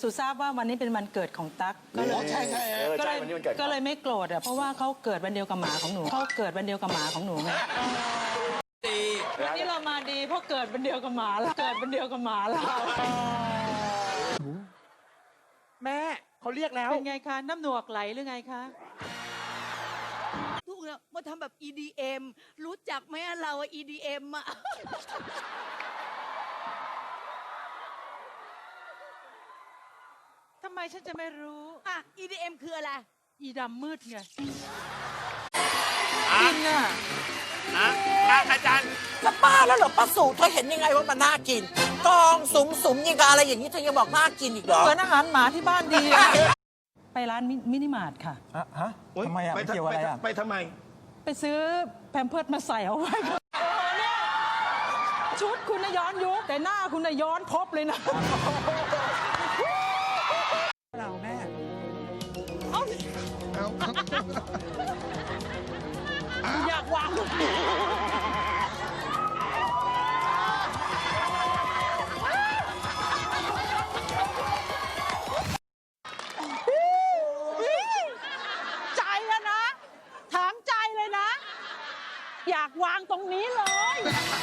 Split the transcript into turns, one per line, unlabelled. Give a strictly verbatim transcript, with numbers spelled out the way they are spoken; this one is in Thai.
สุทราบว่าวันนี้เป็นวันเกิดของตั๊กก็เลย
ใช่ใช่
ก็เลยก็เลยไม่โกรธอ่ะเพราะว่าเขาเกิดวันเดียวกับหมาของหนูเขาเกิดวันเดียวกับหมาของหนูไงวันนี้เรามาดีเพราะเกิดวันเดียวกับหมาเราเกิดวันเดียวกับหมาเรา
แม่เขาเรียกแล้ว
เป็นไงคะน้ำหนวกไหลหรือไงคะ
ทุกเนี่ยมาทำแบบ อี ดี เอ็ม รู้จักไหมอะเราอะ อี ดี เอ็ม อะ
ทำไมฉันจะไม่รู้
อะ อี ดี เอ็ม คืออะไร
อีดำมืดไง
อ่ะ
กินอ่ะ
อ่ะอ่ะอาจารย์
จะบ้าแล้วเหรอป้าสูเธอเห็นยังไงว่ามันน่ากิน กองสุมสุมยังกับอะไรอย่างนี้เธอยังบอกน่ากินอีกเหรอ
เหมือนอาหารหมาที่บ้านดีอะไปร้านมิมินิมาร์ทค่ะ
อะฮะทำไมอ่ะ
ไป
มันเกี่ยวอะไรอ่ะ
ไปทำไม
ไปซื้อแพมเพิร์สมาใส่เอาไว้เออเนี่ยชุดคุณน่ะย้อนยุคแต่หน้าคุณน่ะย้อนพบเลยนะ
เราแม่
อยากวางลูก
ใจอะนะถามใจเลยนะ อยากวางตรงนี้เลย